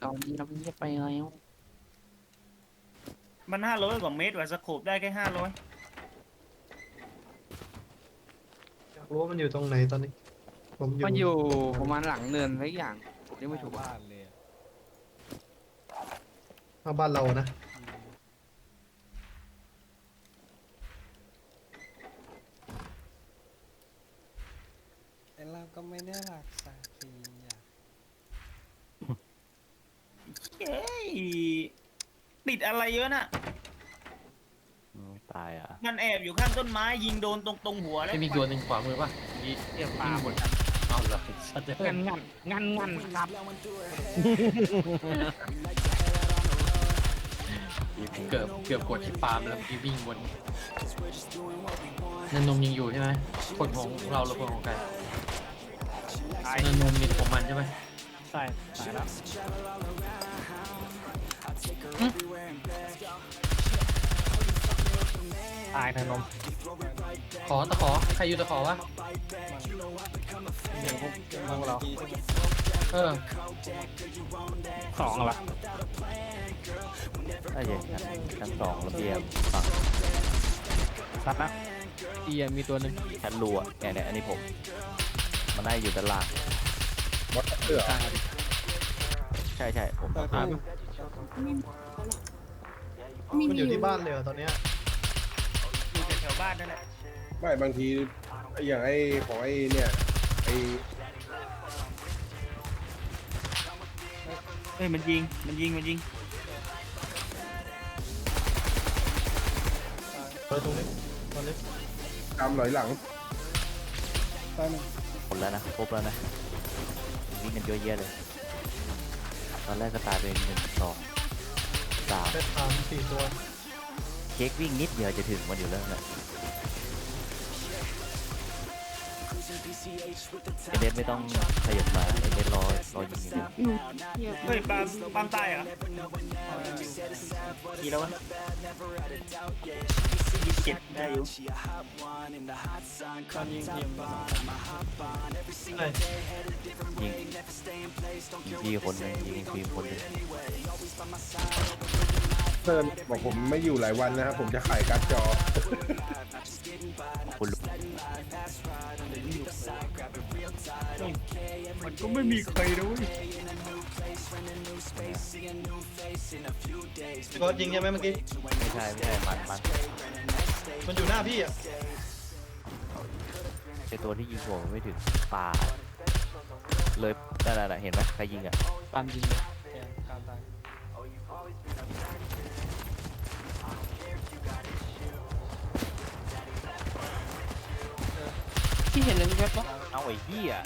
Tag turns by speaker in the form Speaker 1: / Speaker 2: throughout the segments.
Speaker 1: อนนี้เราไม่ได้ไปแล้ว
Speaker 2: มัน500 กว่าเมตรว่ะสโคปได้แค่500
Speaker 3: อยากรู้ว่ามันอยู่ตรงไหนตอนนี้ผมอยู่
Speaker 1: มันอยู่ประมาณหลังเนินอะไรอย่างผมเรียกไม่ถูก
Speaker 4: บ้านเลยอะ
Speaker 3: มาบ้านเรานะ
Speaker 4: แต่เราก็ไม่ได้รักษาฟรีอ่ะ
Speaker 2: เฮ้ยติดอะไรเยอะน่ะ
Speaker 5: ตายอ่ะ
Speaker 2: มันแอบอยู่ข้างต้นไม้ยิงโดนตรงหัวแล้ว
Speaker 6: ไม่มีตัวหนึ่งขวามือป่ะมีเทียบปลาหมดเอาละสัตว์
Speaker 1: งันครับ
Speaker 6: เกือบกดที่ปาล์มแล้ววิ่งวนนันนมยังอยู่ใช่ไหมคนของเราหรือคนของใครนันนมมีของมันใช่ไหม
Speaker 1: ใช่ตายแล้วตายทางนม
Speaker 6: ตะขอใครอยู่ตะขอวะ
Speaker 1: เดี๋ยวพวกเรา
Speaker 6: เออ
Speaker 1: สองเหรอ
Speaker 5: ถ้าอย่างนั้นชั้น2ระเบียงฝั่ง
Speaker 1: สัตว์นะเอียมีตัวหนึ่ง
Speaker 5: ชั้นรัวเนี่ยอันนี้ผมมันได้อยู่ด้านล่างใช่ผม
Speaker 4: แต่
Speaker 6: อ่า
Speaker 3: มันอยู่ที่บ้านเลยเหรอตอนเนี้ย
Speaker 2: อยู่แถวๆบ้านนั่นแหละ
Speaker 7: ไม่บางทีอย่างไอ้ของไอ้เนี่ยไอ้
Speaker 2: เฮ้ยมันยิง
Speaker 3: ตอนนี้ตอนนี้
Speaker 7: ตามหลอยหลัง
Speaker 4: ตายหนึ่ง
Speaker 5: หมดแล้วนะครบแล้วนะวิ่งกันเยอะแยะเลยตอนแรกก็ตายไป1 2 3
Speaker 3: เป็น3-4 ตัว
Speaker 5: เค้กวิ่งนิดเดียวจะถึงมันอยู่แล้วนะไอเดนไม่ต้องขยับมาไอเดนรอยิงอย่างเดียว
Speaker 2: เฮ้ยปาล์มตายเหรอกี่แล้ววะ27ได้อยู่
Speaker 4: ตอนยิงทีมบ้าน
Speaker 3: ไหน
Speaker 5: ยิงพี่คนหนึงยิงทีมคนหนึง
Speaker 7: เซิร์นบอกผมไม่อยู่หลายวันนะครับผมจะขายการ์ดจอ
Speaker 5: คุณลุง
Speaker 2: มันก็ไม่มีใครด้วย
Speaker 3: ก็ยิงใช่ไหมเมื่อกี้
Speaker 5: ไม่ใช่มัน
Speaker 3: มันอยู่หน้าพี่อ่ะ
Speaker 5: ไอตัวที่ยิงผมไม่ถึงป่าเลยนั่นเห็นไหมใครยิงอ่ะ
Speaker 1: ตามยิง
Speaker 4: แกนการตาย
Speaker 1: ที่เห็นเลยมีแวบปะ
Speaker 5: เอาไอ้เหี้ย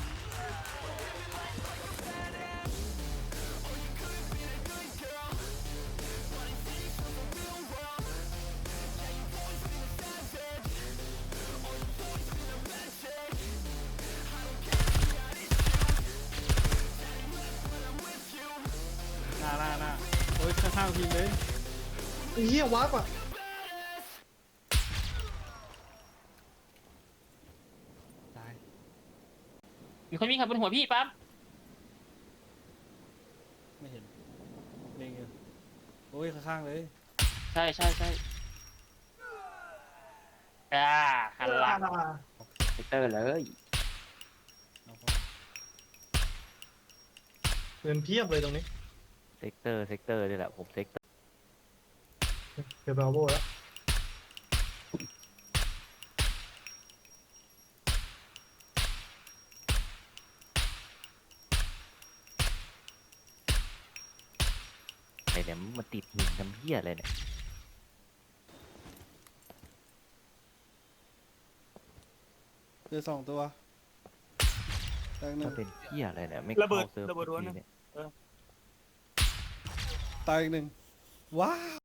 Speaker 4: หน้าโอ้ยข้างๆทีมเลย
Speaker 3: ไอ้เหี้ยวาร์ปอ่ะ
Speaker 4: ตาย
Speaker 1: มีคนวิ่งขับบนหัวพี่ปั๊ม
Speaker 4: ไม่เห็นเล็งอยู่โอ้ยข้างๆเลย
Speaker 1: ใช่คันหลัง
Speaker 5: เตอร์เลย
Speaker 4: เอาเข้า
Speaker 3: เงินเพียบเลยตรงนี้
Speaker 5: เซกเตอร์นี่แหละผมเซกเตอร์
Speaker 3: เก็บบราโวแล้ว
Speaker 5: ไอ้เนี่ยมันติดหินทำเหี้ยอะไรเนี่ย
Speaker 4: เจอ2 ตัวตายหนึ่
Speaker 5: มั
Speaker 4: ง
Speaker 5: นเป็นเหี้ยอะไรเนี่ยไม่
Speaker 2: ระเบิ
Speaker 5: เข้า
Speaker 2: ด
Speaker 5: เซิร์ฟ
Speaker 2: ระเบิดรั้วนะ
Speaker 5: เนี่ย
Speaker 4: ตายอีก 1ว้าว